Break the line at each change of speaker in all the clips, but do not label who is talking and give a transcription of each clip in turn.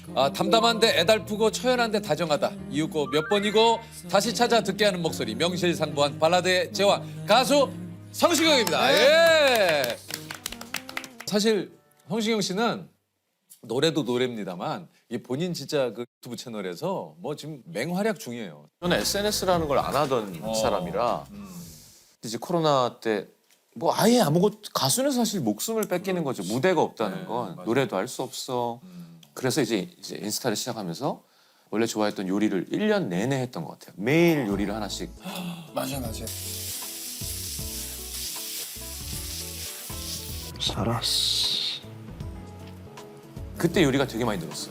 담담한데 애달프고 처연한데 다정하다. 이윽고 몇 번이고 다시 찾아 듣게 하는 목소리. 명실상부한 발라드의 제왕 가수 성시경입니다. 예. 사실 성시경 씨는 노래도 노래입니다만 이 본인 진짜 그 유튜브 채널에서 뭐 지금 맹활약 중이에요.
저는 SNS라는 걸 안 하던 사람이라 이제 코로나 때 뭐 아예 아무것도 가수는 사실 목숨을 뺏기는 거죠. 무대가 없다는 건 노래도 할 수 없어. 그래서 이제 인스타를 시작하면서 원래 좋아했던 요리를 1년 내내 했던 것 같아요. 매일 요리를 하나씩.
맞아 맞아.
살았어.
그때 요리가 되게 많이 늘었어요.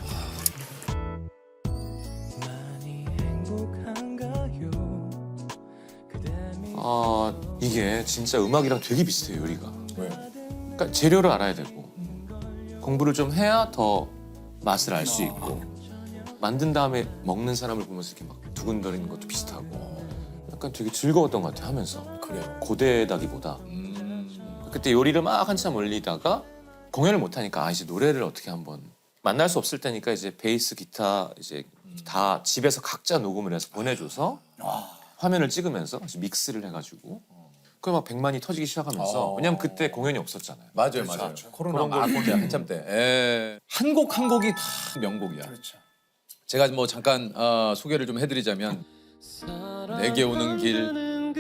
이게 진짜 음악이랑 되게 비슷해요, 요리가.
왜요?
그러니까 재료를 알아야 되고 공부를 좀 해야 더 맛을 알 수 있고 만든 다음에 먹는 사람을 보면서 이렇게 막 두근거리는 것도 비슷하고 약간 되게 즐거웠던 것 같아요, 하면서.
그래요.
고되다기보다. 그때 요리를 막 한참 올리다가 공연을 못 하니까 이제 노래를 어떻게 한번 만날 수 없을 때니까 이제 베이스, 기타 이제 다 집에서 각자 녹음을 해서 보내줘서 화면을 찍으면서 믹스를 해가지고 그 막 100만이 터지기 시작하면서 왜냐면 그때 공연이 없었잖아요.
맞아요, 맞아요. 코로나 막 때 한참 때. 예. 한 곡 한 곡이 다 명곡이야.
그렇죠.
제가 뭐 잠깐 소개를 좀 해드리자면 내게 오는 길,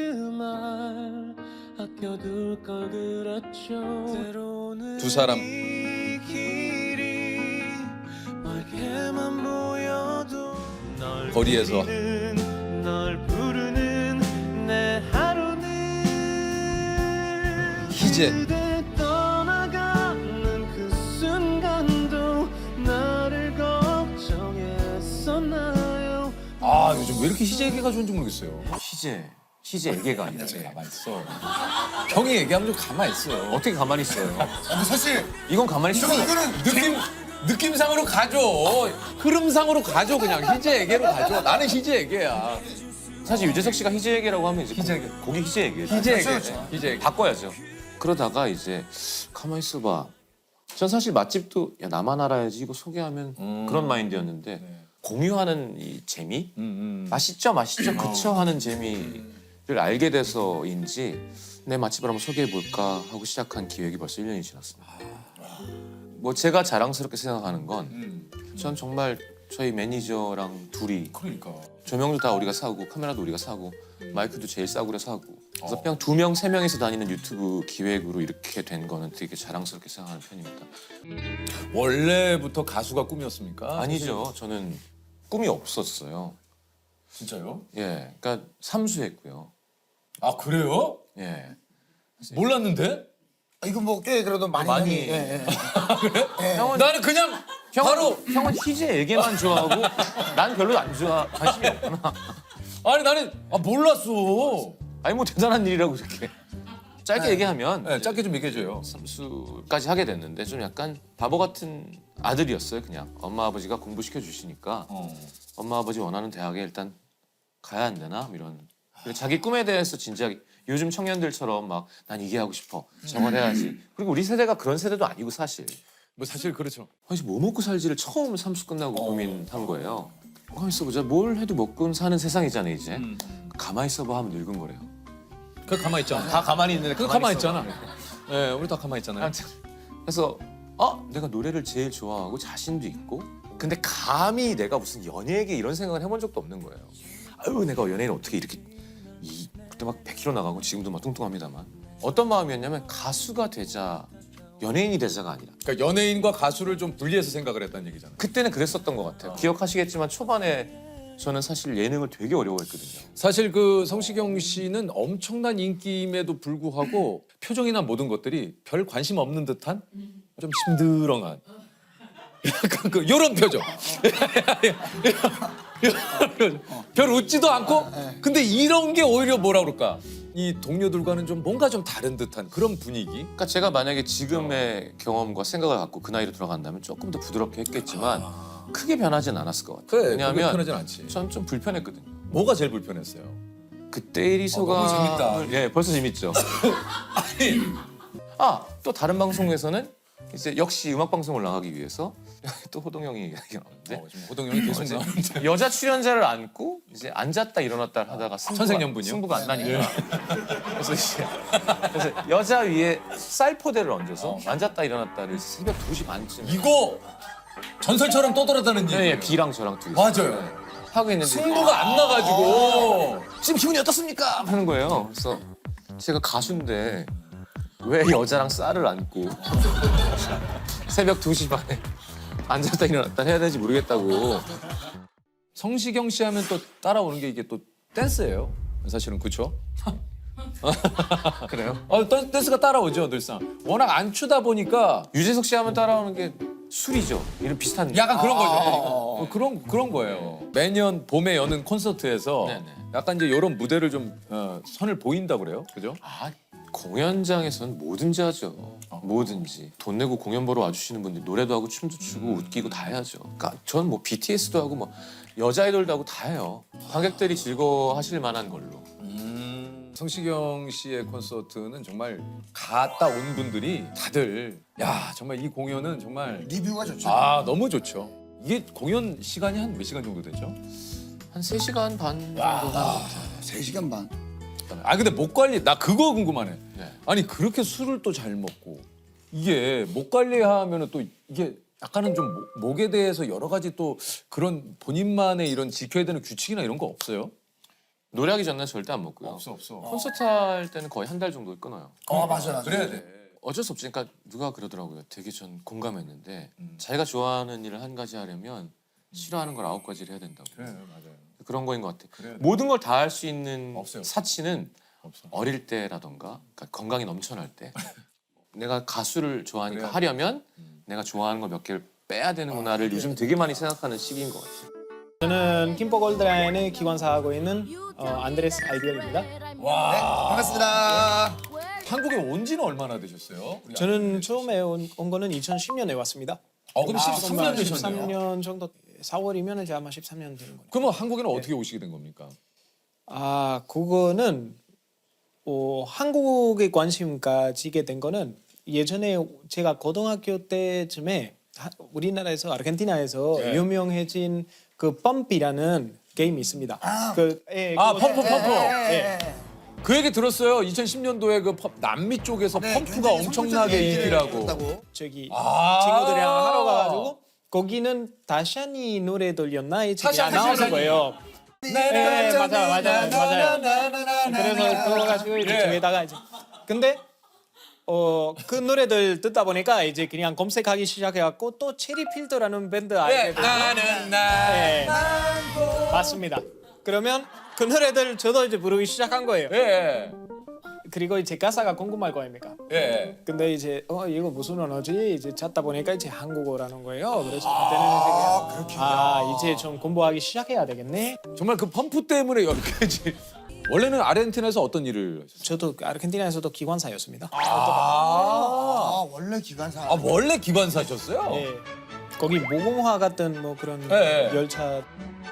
두 사람, 거리에서, 희재, 요즘 왜 이렇게 희재 얘기가 좋은지 모르겠어요.
희재 애계가 아니라
가만히 있어. 형이 얘기하면 좀 가만히 있어.
어떻게 가만히 있어요?
근데 사실
이건 가만히 있어.
이거는
느낌상으로 가죠. 흐름상으로 가죠. 그냥 희재에게로 가죠. 나는 희재에게야.
사실 유재석 씨가 희재 애계라고 하면 이제
희재
곡이 희재 애계.
희재에게.
그렇죠.
희재에게.
바꿔야죠. 그러다가 이제 가만히 있어봐. 전 사실 맛집도 야 나만 알아야지 이거 소개하면 그런 마인드였는데 공유하는 이 재미? 맛있죠 그쵸 하는 재미를 알게 돼서인지 내 맛집을 한번 소개해볼까 하고 시작한 기획이 벌써 1년이 지났습니다. 뭐 제가 자랑스럽게 생각하는 건 전 정말 저희 매니저랑 둘이
그러니까.
조명도 다 우리가 사고 카메라도 우리가 사고 마이크도 제일 싸구려 사고 그래서 그냥 2명, 3명이서 다니는 유튜브 기획으로 이렇게 된 거는 되게 자랑스럽게 생각하는 편입니다.
원래부터 가수가 꿈이었습니까?
아니죠. 저는 꿈이 없었어요.
진짜요?
예, 그러니까 삼수했고요.
아 그래요?
예,
몰랐는데?
이거 뭐 꽤 그래도 많이
많이.
예.
나는 그냥 바로
형은 희재 애계만 좋아하고 난 별로 안 좋아 관심이 없구나.
아니 나는 몰랐어.
아니 뭐 대단한 일이라고 이렇게 짧게 얘기하면
네, 짧게 좀 얘기해줘요.
삼수까지 하게 됐는데 좀 약간 바보 같은 아들이었어요. 그냥 엄마 아버지가 공부시켜 주시니까 엄마 아버지 원하는 대학에 일단 가야 안 되나 이런. 그리고 자기 꿈에 대해서 진지하게 요즘 청년들처럼 막 난 이게 하고 싶어 저걸 해야지. 그리고 우리 세대가 그런 세대도 아니고 사실.
뭐 사실 그렇죠.
아니 뭐 먹고 살지를 처음 삼수 끝나고 고민한 거예요. 가만히 있어보자. 뭘 해도 먹고 사는 세상이잖아 이제. 가만히 있어봐 하면 늙은 거래요.
그 가만히 있잖아.
다 가만히 있는데
그 가만히 있잖아. 예, 우리 다 가만히 있잖아요.
그래서 내가 노래를 제일 좋아하고 자신도 있고 근데 감히 내가 무슨 연예계 이런 생각을 해본 적도 없는 거예요. 아유 내가 연예인 어떻게 이렇게 그때 막 100kg 나가고 지금도 막 뚱뚱합니다만 어떤 마음이었냐면 가수가 되자 연예인이 되자가 아니라
그러니까 연예인과 가수를 좀 분리해서 생각을 했다는 얘기잖아요.
그때는 그랬었던 것 같아요. 기억하시겠지만 초반에 저는 사실 예능을 되게 어려워했거든요.
사실 그 성시경 씨는 엄청난 인기임에도 불구하고 표정이나 모든 것들이 별 관심 없는 듯한 좀 심드렁한 약간 그 요런 표정. 별 웃지도 않고 근데 이런 게 오히려 뭐라 그럴까 이 동료들과는 좀 뭔가 좀 다른 듯한 그런 분위기.
그러니까 제가 만약에 지금의 경험과 생각을 갖고 그 나이로 돌아간다면 조금 더 부드럽게 했겠지만 크게 변하진 않았을 것 같아요.
그래,
왜냐하면
편하진 않지.
전 좀 불편했거든요.
뭐가 제일 불편했어요?
그때 일이 소감.
너무 재밌다.
예, 벌써 재밌죠. 또 다른 방송에서는 이제 역시 음악 방송을 나가기 위해서 또 호동 형이 얘기가 나오는데
지금 호동 형이 계속 나오는데.
여자 출연자를 안고 이제 앉았다 일어났다 하다가
천생연분이요?
승부가 안 나니까 그래서 여자 위에 쌀포대를 얹어서 앉았다 일어났다를 새벽 2시 반쯤에
이거 전설처럼 떠돌아다는 얘기.
예, B랑 저랑 둘이
맞아요.
하고 있는데
승부가 안 나가지고.
지금 기분이 어떻습니까? 하는 거예요. 그래서 제가 가수인데 왜 여자랑 쌀을 안고 새벽 2시 반에 앉았다 일어났다 해야 되는지 모르겠다고.
성시경 씨 하면 또 따라오는 게 이게 또 댄스예요. 사실은 그렇죠?
그래요?
댄스가 따라오죠 늘상. 워낙 안 추다 보니까
유재석 씨 하면 따라오는 게 술이죠. 이런 비슷한.
약간 그런 거죠. 그런 거예요. 매년 봄에 여는 콘서트에서
네네.
약간 이제 이런 무대를 좀 선을 보인다 그래요, 그죠?
아, 공연장에서는 뭐든지 하죠. 뭐든지. 돈 내고 공연 보러 와주시는 분들 노래도 하고 춤도 추고 웃기고 다 해야죠. 그러니까 전 뭐 BTS도 하고 뭐 여자 아이돌도 하고 다 해요. 관객들이 즐거워하실 만한 걸로.
성시경 씨의 콘서트는 정말 갔다 온 분들이 다들 야 정말 이 공연은 정말
리뷰가 좋죠.
너무 좋죠. 이게 공연 시간이 한 몇 시간 정도 되죠?
한 3시간 반 정도 하는 것 같아요.
3시간 반.
근데 목 관리 나 그거 궁금하네.
네.
아니 그렇게 술을 또 잘 먹고 이게 목 관리하면은 또 이게 약간은 좀 목에 대해서 여러 가지 또 그런 본인만의 이런 지켜야 되는 규칙이나 이런 거 없어요?
노래하기 전에는 절대 안 먹고요.
없어.
콘서트 할 때는 거의 한 달 정도 끊어요.
맞아.
그래야 돼.
어쩔 수 없지. 그러니까 누가 그러더라고요. 되게 전 공감했는데 자기가 좋아하는 일을 한 가지 하려면 싫어하는 걸 9가지를 해야 된다고.
그래 맞아요.
그런 거인 것 같아요.
그래야 돼.
모든 걸 다 할 수 있는
없어요.
사치는
없어.
어릴 때라던가 그러니까 건강이 넘쳐날 때 내가 가수를 좋아하니까
그래야 돼.
하려면 내가 좋아하는 거 몇 개를 빼야 되는구나를 요즘 되게 많이 생각하는 시기인 것 같아요.
저는 김포 골드라인의 기관사하고 있는 안드레스 아이디얼입니다.
반갑습니다.
한국에 온 지는 얼마나 되셨어요?
저는 처음에 온 거는 2010년에 왔습니다.
그럼 13년 되셨네요.
13년 정도 4월이면 이제 아마 13년 되는 거예요.
그러면 한국에는 어떻게 오시게 된 겁니까?
그거는 한국에 관심 가지게 된 거는 예전에 제가 고등학교 때쯤에 우리나라에서 아르헨티나에서
네.
유명해진 그 펌피라는 게임이 있습니다. 펌프.
펌프. 그 얘기 들었어요. 2010년도에 그 남미 쪽에서 펌프가 엄청나게 인기라고.
저기
아.
친구들이랑 하러 가가지고 거기는 다샤니 노래 들렸나 이제 나오는 거예요. 네, 맞아요. 그래서 그거 가지고 이제 저기다가 이제 근데 그 노래들 듣다 보니까 이제 그냥 검색하기 시작해갖고 또 체리필터라는 밴드 알게 됐어요.
나는
네, 맞습니다. 그러면 그 노래들 저도 이제 부르기 시작한 거예요.
예.
그리고 이제 가사가 궁금할 거 아닙니까?
예.
근데 이제 이거 무슨 언어지? 이제 찾다 보니까 이제 한국어라는 거예요. 그래서 그때는 이제 이제 좀 공부하기 시작해야 되겠네.
정말 그 펌프 때문에 여기까지. 원래는 아르헨티나에서 어떤 일을 하셨어요?
저도 아르헨티나에서도 기관사였습니다.
원래 기관사.
원래 기관사셨어요?
네. 거기 모공화 같은 뭐 그런
네.
열차.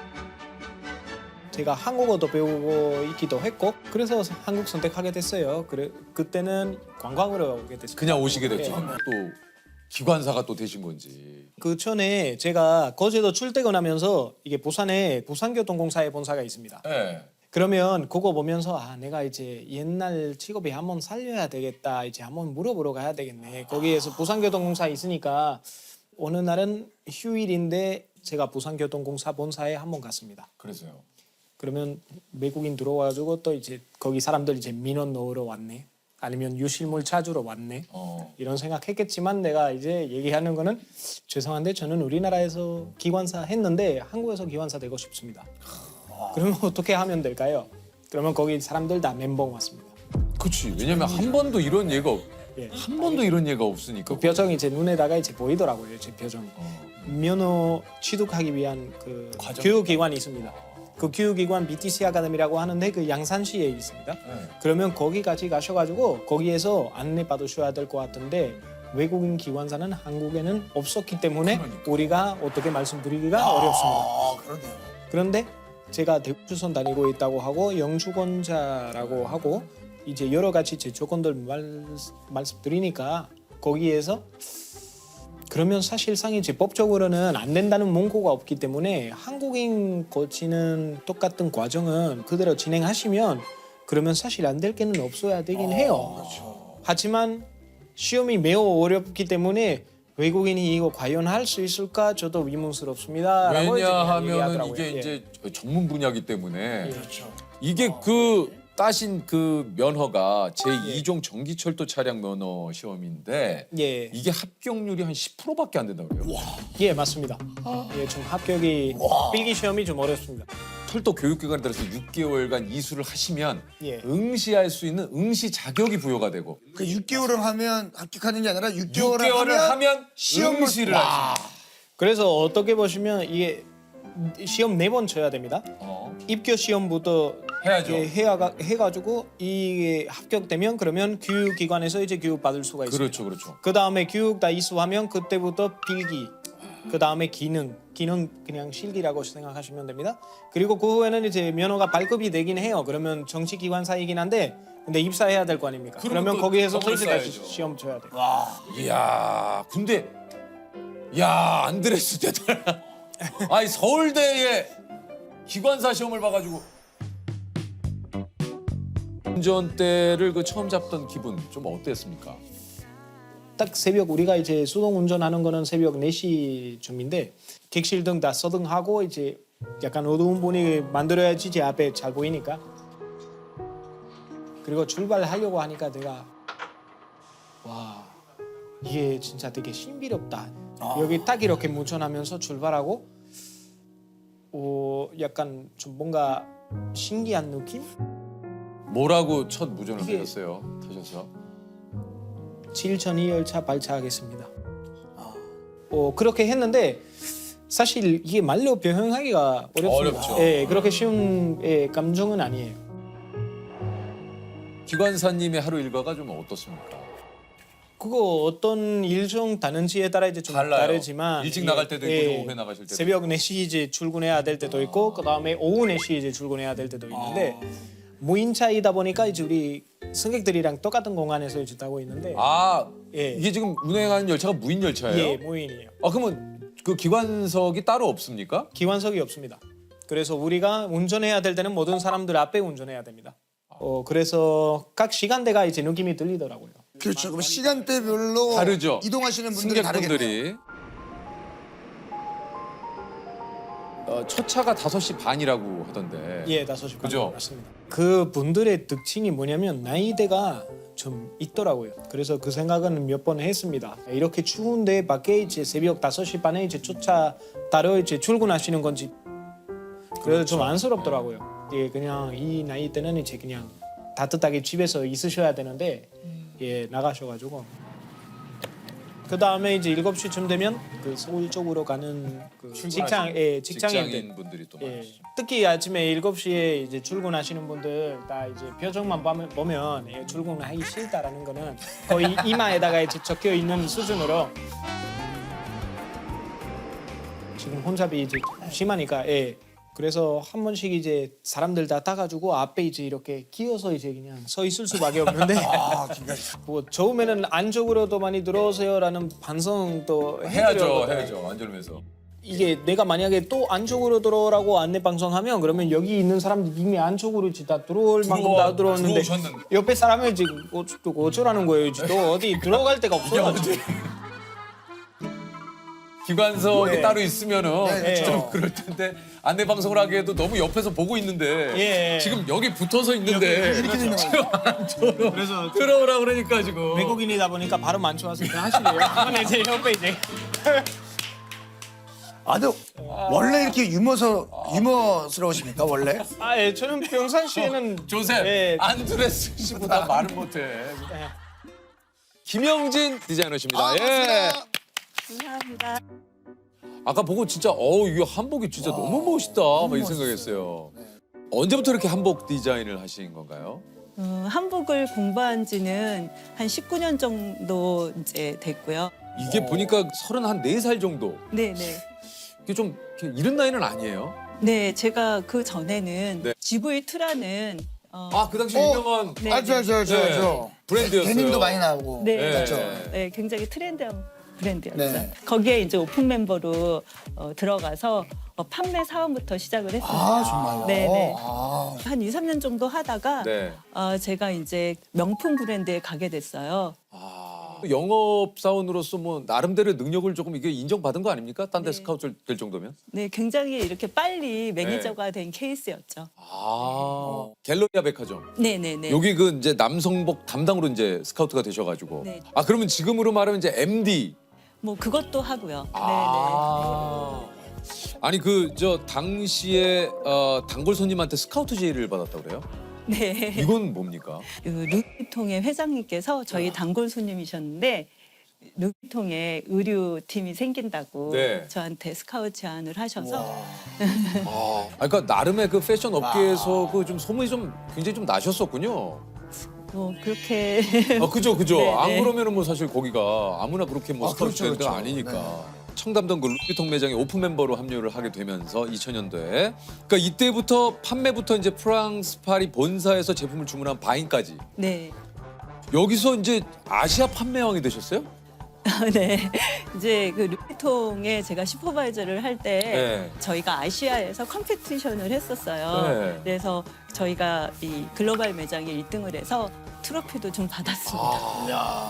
제가 한국어도 배우고 있기도 했고 그래서 한국 선택하게 됐어요. 그때는 관광으로 오게 됐어요.
그냥 오시게 됐죠.
네.
또 기관사가 또 되신 건지.
그 전에 제가 거제도 출퇴근하면서 이게 부산에 부산교통공사의 본사가 있습니다.
예.
그러면 그거 보면서 내가 이제 옛날 직업이 한번 살려야 되겠다. 이제 한번 물어보러 가야 되겠네. 거기에서 부산교통공사 있으니까 어느 날은 휴일인데 제가 부산교통공사 본사에 한번 갔습니다.
그래서요.
그러면 외국인 들어와가지고 또 이제 거기 사람들 이제 민원 넣으러 왔네. 아니면 유실물 찾으러 왔네. 이런 생각했겠지만 내가 이제 얘기하는 거는 죄송한데 저는 우리나라에서 기관사 했는데 한국에서 기관사 되고 싶습니다. 그러면 어떻게 하면 될까요? 그러면 거기 사람들 다 멘붕 왔습니다.
그렇지. 왜냐면 한 번도 이런 예가
예.
한 번도 이런 예가 없으니까.
그 표정이 제 눈에다가 이제 보이더라고요. 제 표정이. 면허 취득하기 위한 그 교육기관이 있습니다. 그 교육기관 BTC 아카데미라고 하는데 그 양산시에 있습니다. 그러면 거기까지 가셔가지고 거기에서 안내 받으셔야 될 것 같은데 외국인 기관사는 한국에는 없었기 때문에 우리가 어떻게 말씀드리기가 어렵습니다.
그러네요.
그런데 제가 대구주선 다니고 있다고 하고 영주권자라고 하고 이제 여러 가지 제 조건들 말씀드리니까 거기에서 그러면 사실상 이제 법적으로는 안 된다는 문구가 없기 때문에 한국인 거치는 똑같은 과정은 그대로 진행하시면 그러면 사실 안 될 게는 없어야 되긴 해요. 하지만 시험이 매우 어렵기 때문에 외국인이 이거 과연 할 수 있을까 저도 의문스럽습니다라고
왜냐하면
얘기하더라고요.
이게
예.
이제 전문 분야이기 때문에
그렇죠.
이게 그 따신 그 면허가 제2종 전기철도 차량 면허 시험인데
예,
이게 합격률이 한 10%밖에 안 된다고 그래요.
예 맞습니다. 예, 좀 합격이 필기 시험이 좀 어렵습니다.
철도 교육기관에 따라서 6개월간 이수를 하시면
예.
응시할 수 있는 응시 자격이 부여가 되고
그 6개월을 하면 합격하는 게 아니라 6개월을,
6개월을 하면
시험을
응시를 하지.
그래서 어떻게 보시면 이게 시험 4번 쳐야 됩니다. 입교 시험부터
해야죠.
예, 해가지고 이게 합격되면 그러면 교육기관에서 이제 교육 받을 수가 있습니다.
그렇죠, 그렇죠.
그 다음에 교육 다 이수하면 그때부터 필기, 그 다음에 기능 그냥 실기라고 생각하시면 됩니다. 그리고 그 후에는 이제 면허가 발급이 되긴 해요. 그러면 정치기관사이긴 한데 근데 입사해야 될 거 아닙니까? 그러면
또
거기에서 또
덕을
이제 다시
쌓아야죠.
시험 쳐야 돼요.
이야, 근데 야 안드레스 대단하다. 아니 서울대에 기관사 시험을 봐가지고 운전대를 그 처음 잡던 기분 좀 어땠습니까?
딱 새벽 우리가 이제 수동 운전하는 거는 새벽 4시쯤인데 객실등 다 서등하고 이제 약간 어두운 분위기 만들어야지 제 앞에 잘 보이니까 그리고 출발하려고 하니까 내가 와 이게 진짜 되게 신비롭다. 여기 딱 이렇게 무전하면서 출발하고 약간 좀 뭔가 신기한 느낌?
뭐라고 첫 무전을
이게-
내렸어요? 타셔서?
7002 열차 발차하겠습니다. 그렇게 했는데 사실 이게 말로 표현하기가 어렵습니다.
어렵죠.
예, 그렇게 쉬운 감정은 아니에요.
기관사님의 하루 일과가 좀 어떻습니까?
그거 어떤 일정 다른지에 따라 이제 좀
달라요.
다르지만
일찍 나갈 때도 있고 오후에 나가실 때도
새벽 4시 이제 출근해야 될 때도 있고 그다음에 오후 4시 이제 출근해야 될 때도 있는데 무인차이다 보니까 이제 우리 승객들이랑 똑같은 공간에서 이제 타고 있는데
아
예.
이게 지금 운행하는 열차가 무인 열차예요?
예, 무인이에요.
아 그러면 그 기관석이 따로 없습니까?
기관석이 없습니다. 그래서 우리가 운전해야 될 때는 모든 사람들 앞에 운전해야 됩니다. 그래서 각 시간대가 이제 느낌이 들리더라고요.
그렇죠. 그럼 시간대별로
다르죠.
이동하시는 분들이 다르겠네요.
승객분들이 첫 차가 5시 반이라고 하던데.
예, 5시
그죠?
반 맞습니다. 그 분들의 특징이 뭐냐면 나이대가 좀 있더라고요. 그래서 그 생각은 몇 번 했습니다. 이렇게 추운데 밖에 이제 새벽 5시 반에 이제 쫓아 따로 이제 출근하시는 건지 그래서 좀 안쓰럽더라고요. 예, 그냥 이 나이 때는 이제 그냥 따뜻하게 집에서 있으셔야 되는데 예, 나가셔가지고 그 다음에 이제 7시쯤 되면 그 서울 쪽으로 가는 그 직장인들
직장인 분들이 또
예,
많으시죠.
특히 아침에 7시에 이제 출근하시는 분들 다 이제 표정만 보면 예, 출근하기 싫다라는 거는 거의 이마에다가 이제 적혀 있는 수준으로 지금 혼잡이 이제 심하니까 예. 그래서 한 번씩 이제 사람들 다 타가지고 앞에 이제 이렇게 끼어서 이제 그냥 서 있을 수밖에 없는데 뭐 처음에는 안쪽으로도 많이 들어오세요라는 반성도 해드렸거든요.
해야죠. 안전면서.
이게 내가 만약에 또 안쪽으로 들어오라고 안내 방송하면 그러면 여기 있는 사람들이 이미 안쪽으로 이제 다 들어올 만큼 다 들어왔는데
들어오셨는데.
옆에 사람이 지금 어쩌라는 거예요. 이제 또 어디 들어갈 데가 없어가지고
기관석이
네.
따로 있으면은
네,
좀
그렇죠.
그럴 텐데 안내 방송을 하기에도 너무 옆에서 보고 있는데
예.
지금 여기 붙어서 있는데
이렇게 되는 거예요.
그래서
들어오라 그러니까 지금
외국인이다 보니까 바로 만취와서 하시네요. 그러면 이제 옆에 이제
근데 원래 이렇게 유머스러우십니까 원래?
예, 저는 평상시에는
조셉
예.
안드레스 씨보다 말을 못해.
예.
김영진 디자이너십니다. 예.
반갑습니다.
감사합니다.
아까 보고 진짜 이게 한복이 진짜 너무 멋있다 막 이 생각했어요. 언제부터 이렇게 한복 디자인을 하신 건가요?
한복을 공부한 지는 한 19년 정도 이제 됐고요.
이게 보니까 34살 정도.
네네.
이게 좀 이렇게 이른 나이는 아니에요?
네, 제가 그 전에는
네.
GV2라는
그 당시 유명한
네,
알죠.
네. 브랜드였어요.
데님도 많이 나오고.
네,
네.
그렇죠.
네, 굉장히 트렌디한 브랜드였죠.
네.
거기에 이제 오픈 멤버로 들어가서 판매 사원부터 시작을 했습니다.
아 정말요?
네네.
아.
한 2, 3년 정도 하다가
네.
제가 이제 명품 브랜드에 가게 됐어요.
영업 사원으로서 뭐 나름대로 능력을 조금 이게 인정받은 거 아닙니까? 딴 데 스카우트 될 정도면?
네, 굉장히 이렇게 빨리 매니저가 된 케이스였죠.
갤러리아 백화점.
네네네.
여기 그 이제 남성복 담당으로 이제 스카우트가 되셔가지고.
네.
그러면 지금으로 말하면 이제 MD.
뭐 그것도 하고요.
아니 그 저 당시에 단골 손님한테 스카우트 제의를 받았다고 그래요?
네.
이건 뭡니까?
그 루이비통의 회장님께서 저희 단골 손님이셨는데 루이비통의 의류팀이 생긴다고
네.
저한테 스카우트 제안을 하셔서
그러니까 나름의 그 패션 업계에서 그 좀 소문이 좀 굉장히 좀 나셨었군요.
뭐 그렇게
그죠.
네,
안
네.
그러면은 뭐 사실 거기가 아무나 그렇게 뭐 스카우트
그렇죠,
브랜드가
그렇죠.
아니니까. 청담동 그 루이비통 매장에 오픈 멤버로 합류를 하게 되면서 2000년도에 그러니까 이때부터 판매부터 이제 프랑스 파리 본사에서 제품을 주문한 바인까지
네.
여기서 이제 아시아 판매왕이 되셨어요?
네. 이제 그 루이비통에 제가 슈퍼바이저를 할 때
네.
저희가 아시아에서 컴피티션을 했었어요.
네.
그래서 저희가 이 글로벌 매장에 1등을 해서 트로피도 좀 받았습니다.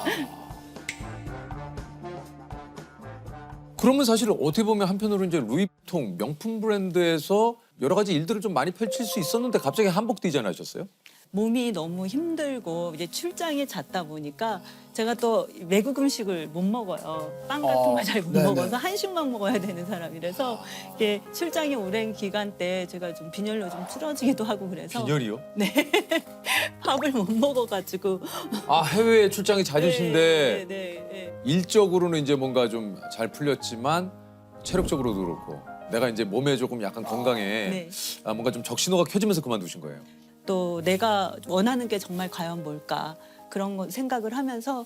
그러면 사실 어떻게 보면 한편으로 이제 루이비통 명품 브랜드에서 여러 가지 일들을 좀 많이 펼칠 수 있었는데 갑자기 한복 디자인 하셨어요?
몸이 너무 힘들고 이제 출장이 잦다 보니까 제가 또 외국 음식을 못 먹어요. 빵 같은 거 잘 못
네네.
먹어서 한식만 먹어야 되는 사람이라서 이게 출장이 오랜 기간 때 제가 좀 빈혈로 좀 쓰러지기도 하고 그래서
빈혈이요?
밥을 못 먹어가지고
해외에 출장이 잦으신데
네.
일적으로는 이제 뭔가 좀 잘 풀렸지만 체력적으로도 그렇고 내가 이제 몸에 조금 약간 건강에
네.
뭔가 좀 적신호가 켜지면서 그만두신 거예요.
또 내가 원하는 게 정말 과연 뭘까 그런 거 생각을 하면서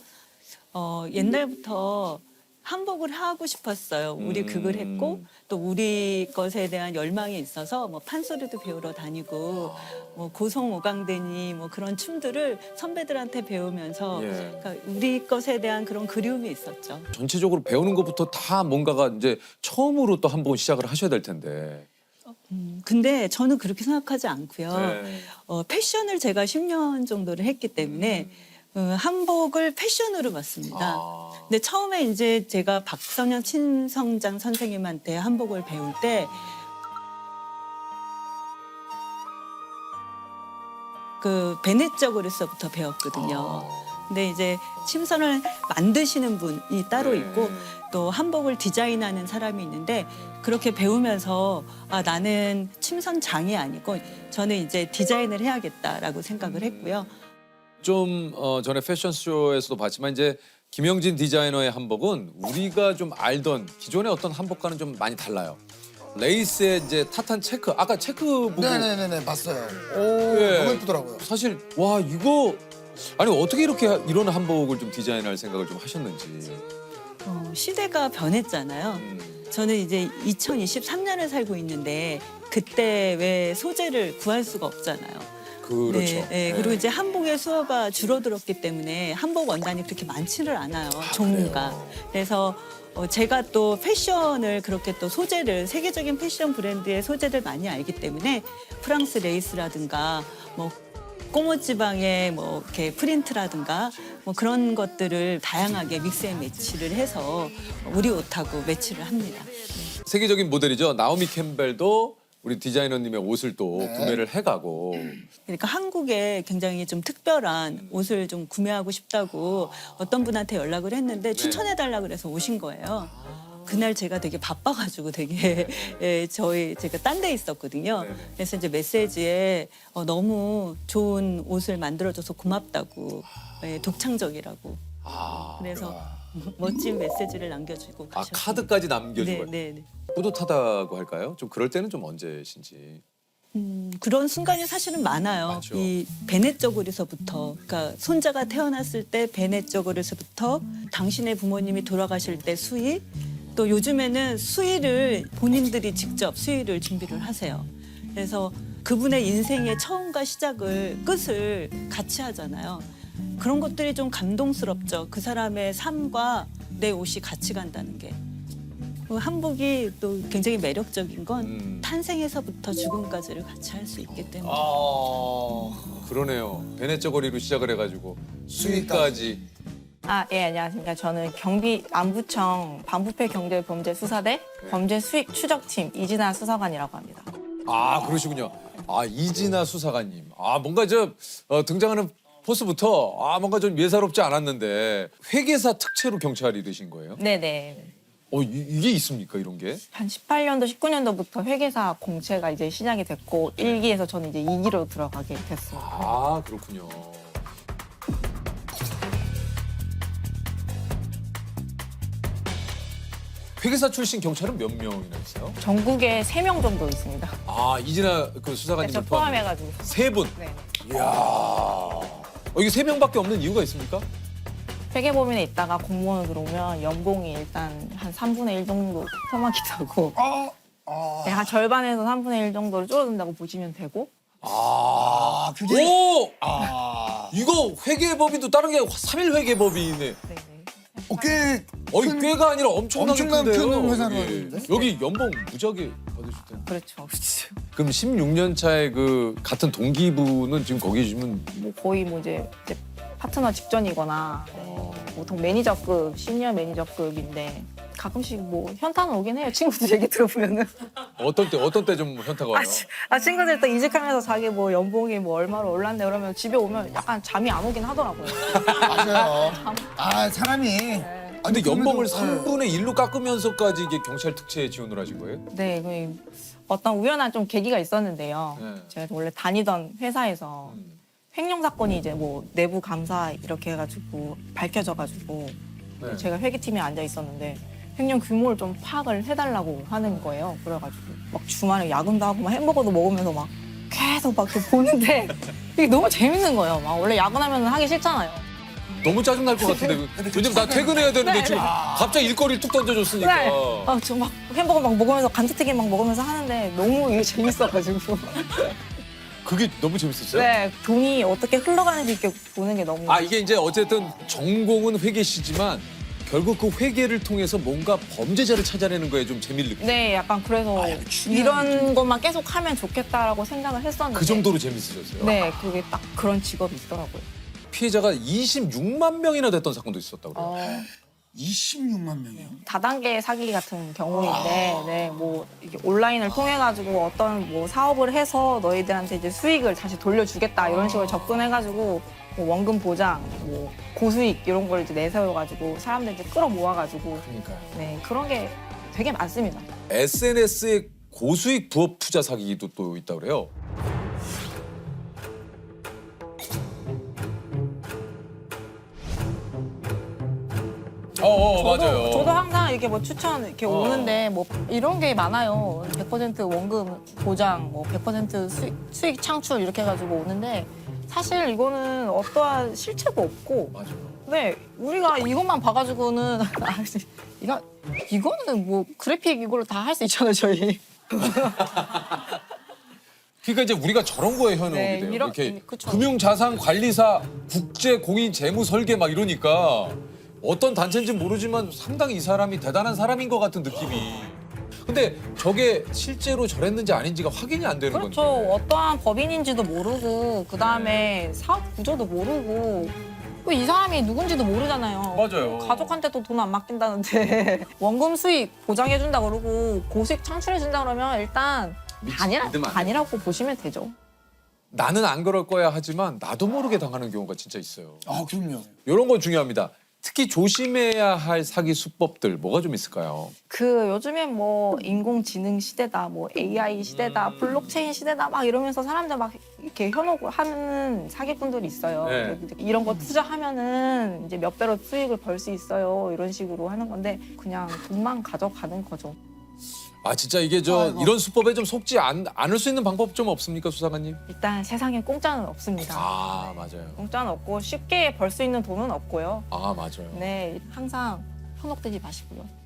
옛날부터 한복을 하고 싶었어요. 우리 극을 했고 또 우리 것에 대한 열망이 있어서 뭐 판소리도 배우러 다니고 뭐 고성오강대니 뭐 그런 춤들을 선배들한테 배우면서
예.
그러니까 우리 것에 대한 그런 그리움이 있었죠.
전체적으로 배우는 것부터 다 뭔가가 이제 처음으로 또 한 번 시작을 하셔야 될 텐데.
근데 저는 그렇게 생각하지 않고요.
네.
패션을 제가 10년 정도를 했기 때문에 한복을 패션으로 봤습니다. 근데 처음에 이제 제가 박선영 친성장 선생님한테 한복을 배울 때 그 베네쩌 그레서부터 배웠거든요. 근데 이제 침선을 만드시는 분이 따로 있고 또 한복을 디자인하는 사람이 있는데 그렇게 배우면서 나는 침선장이 아니고 저는 이제 디자인을 해야겠다라고 생각을 했고요.
좀 전에 패션쇼에서도 봤지만 이제 김영진 디자이너의 한복은 우리가 좀 알던 기존의 어떤 한복과는 좀 많이 달라요. 레이스에 이제 타탄 체크, 아까 체크 보고
네네네네 봤어요. 오
예.
너무 예쁘더라고요.
사실 와 이거 아니 어떻게 이렇게 이런 한복을 좀 디자인할 생각을 좀 하셨는지.
시대가 변했잖아요. 저는 이제 2023년을 살고 있는데 그때 왜 소재를 구할 수가 없잖아요.
그렇죠.
네. 그리고 이제 한복의 수요가 줄어들었기 때문에 한복 원단이 그렇게 많지를 않아요. 종류가. 그래서 제가 또 패션을 그렇게 또 소재를 세계적인 패션 브랜드의 소재를 많이 알기 때문에 프랑스 레이스라든가 뭐 꼬모지방의 뭐 이렇게 프린트라든가 뭐 그런 것들을 다양하게 믹스앤 매치를 해서 우리 옷하고 매치를 합니다.
세계적인 모델이죠. 나오미 캠벨도 우리 디자이너님의 옷을 또
네.
구매를 해가고
그러니까 한국에 굉장히 좀 특별한 옷을 좀 구매하고 싶다고 어떤 분한테 연락을 했는데 추천해달라 그래서 오신 거예요. 그날 제가 되게 바빠가지고 되게 제가 딴 데 있었거든요. 그래서 이제 메시지에 너무 좋은 옷을 만들어줘서 고맙다고 독창적이라고. 그래서 멋진 메시지를 남겨주고 가셨어요.
카드까지 남겨준 거예요.
네.
뿌듯하다고 할까요? 좀 그럴 때는 좀 언제신지.
그런 순간이 사실은 많아요.
맞죠.
이 베네쩌 그리서부터, 그러니까 손자가 태어났을 때 베네쩌 그리서부터 당신의 부모님이 돌아가실 때 수의, 또 요즘에는 수의를 본인들이 직접 수의를 준비를 하세요. 그래서 그분의 인생의 처음과 시작을 끝을 같이 하잖아요. 그런 것들이 좀 감동스럽죠. 그 사람의 삶과 내 옷이 같이 간다는 게. 그 한복이 또 굉장히 매력적인 건 탄생에서부터 죽음까지를 같이 할 수 있기 때문에.
그러네요. 베네쩌거리로 시작을 해가지고 수위까지.
예, 안녕하십니까. 저는 경비 안부청 반부패 경제범죄수사대 범죄수익 추적팀 이진아 수사관이라고 합니다.
아, 그러시군요. 아, 이진아 수사관님. 아, 뭔가 등장하는 포스부터 뭔가 좀 예사롭지 않았는데 회계사 특채로 경찰이 되신 거예요?
네네.
이게 있습니까, 이런 게?
한 18년도, 19년도부터 회계사 공채가 이제 시작이 됐고 1기에서 저는 이제 2기로 들어가게 됐어요.
아, 그렇군요. 회계사 출신 경찰은 몇 명이나 있어요?
전국에 3명 정도 있습니다.
아, 이진아 그
네,
수사관님
저 포함해가지고.
세 분.
네.
이게 세 명밖에 없는 이유가 있습니까?
회계법인에 있다가 공무원으로 들어오면 연봉이 일단 한 3분의 1 정도 토막이 되고 네, 한 절반에서 3분의 1 정도를 줄어든다고 보시면 되고
그게
오! 이거 회계법인도 다른 게 3일 회계법인이네.
네네.
꽤
꽤가 아니라 엄청나게
엄청난
큰데요.
큰 회사로
여기.
하는데?
여기 연봉 무지하게 받으실 텐데.
그렇죠. 그렇죠.
그럼 16년 차에 그 같은 동기분은 지금 거기 계시면
뭐 거의 뭐 이제 파트너 직전이거나 보통 매니저급, 시니어 매니저급인데 가끔씩 뭐 현타는 오긴 해요. 친구들 얘기 들어보면은.
어떤 때 좀 현타가 와요?
친구들 또 이직하면서 자기 뭐 연봉이 뭐 얼마로 올랐네 그러면 집에 오면 약간 잠이 안 오긴 하더라고요.
맞아요. 사람이.
근데 연봉을
그래도,
3분의 1로 깎으면서까지 이게 경찰 특채에 지원을 하신 거예요?
네, 어떤 우연한 좀 계기가 있었는데요.
네.
제가 원래 다니던 회사에서 횡령 사건이 이제 뭐 내부 감사 이렇게 해가지고 밝혀져가지고
네.
제가 회계팀에 앉아 있었는데 횡령 규모를 좀 파악을 해달라고 하는 거예요. 그래가지고 막 주말에 야근도 하고 막 햄버거도 먹으면서 막 계속 막 이렇게 보는데 이게 너무 재밌는 거예요. 막 원래 야근하면 하기 싫잖아요.
너무 짜증날 것 같은데. 왜냐면 나 퇴근해야 되는데
네,
지금 갑자기 일거리를 툭 던져줬으니까.
네. 저 막 햄버거 막 먹으면서 감자튀김 막 먹으면서 하는데 너무 이게 재밌어가지고.
그게 너무 재밌었어요?
네, 돈이 어떻게 흘러가는지 이렇게 보는 게 너무.
이게 이제 어쨌든 전공은 회계시지만 결국 그 회계를 통해서 뭔가 범죄자를 찾아내는 거에 좀 재미를 느끼고
네, 약간 그래서 이런 것만 계속 하면 좋겠다라고 생각을 했었는데.
그 정도로 재밌으셨어요?
네, 그게 딱 그런 직업이 있더라고요.
피해자가 26만 명이나 됐던 사건도 있었다고 그래요.
26만 명이요.
다단계 사기 같은 경우인데, 네, 뭐 이게 온라인을 통해 가지고 어떤 뭐 사업을 해서 너희들한테 이제 수익을 다시 돌려주겠다 이런 식으로 접근해가지고 뭐 원금 보장, 뭐 고수익 이런 걸 이제 내세워가지고 사람들 이제 끌어모아 가지고, 네, 그런 게 되게 많습니다.
SNS에 고수익 부업 투자 사기도 또 있다고 그래요. 맞아요.
저도 항상 이렇게 뭐 추천 이렇게 오는데 뭐 이런 게 많아요. 100% 원금 보장, 뭐 100% 수익 창출 이렇게 해가지고 오는데 사실 이거는 어떠한 실체도 없고.
맞아요.
네, 우리가 이것만 봐가지고는 이거는 뭐 그래픽 이걸로 다 할 수 있잖아요, 저희.
그러니까 이제 우리가 저런 거에 현혹이
네,
돼요.
이런-
이렇게
그쵸.
금융자산관리사, 국제공인재무설계 막 이러니까 어떤 단체인지 모르지만 상당히 이 사람이 대단한 사람인 것 같은 느낌이. 근데 저게 실제로 저랬는지 아닌지가 확인이 안 되는
그렇죠.
건데.
어떠한 법인인지도 모르고 그다음에 사업 구조도 모르고 또 이 사람이 누군지도 모르잖아요.
맞아요.
가족한테도 돈 안 맡긴다는데 원금 수익 보장해준다 그러고 고수익 창출해준다 그러면 일단
믿으면 안 돼.
아니라고 보시면 되죠.
나는 안 그럴 거야 하지만 나도 모르게 당하는 경우가 진짜 있어요.
그럼요.
이런 건 중요합니다. 특히 조심해야 할 사기 수법들 뭐가 좀 있을까요?
요즘엔 뭐 인공지능 시대다, 뭐 AI 시대다, 블록체인 시대다 막 이러면서 사람들 막 이렇게 현혹을 하는 사기꾼들이 있어요.
네.
이런 거 투자하면은 이제 몇 배로 수익을 벌 수 있어요. 이런 식으로 하는 건데 그냥 돈만 가져가는 거죠.
진짜 이게 이런 수법에 좀 속지 않을 수 있는 방법 좀 없습니까, 수사관님?
일단 세상에 공짜는 없습니다.
맞아요.
공짜는 없고 쉽게 벌 수 있는 돈은 없고요.
맞아요.
네, 항상 현혹되지 마시고요.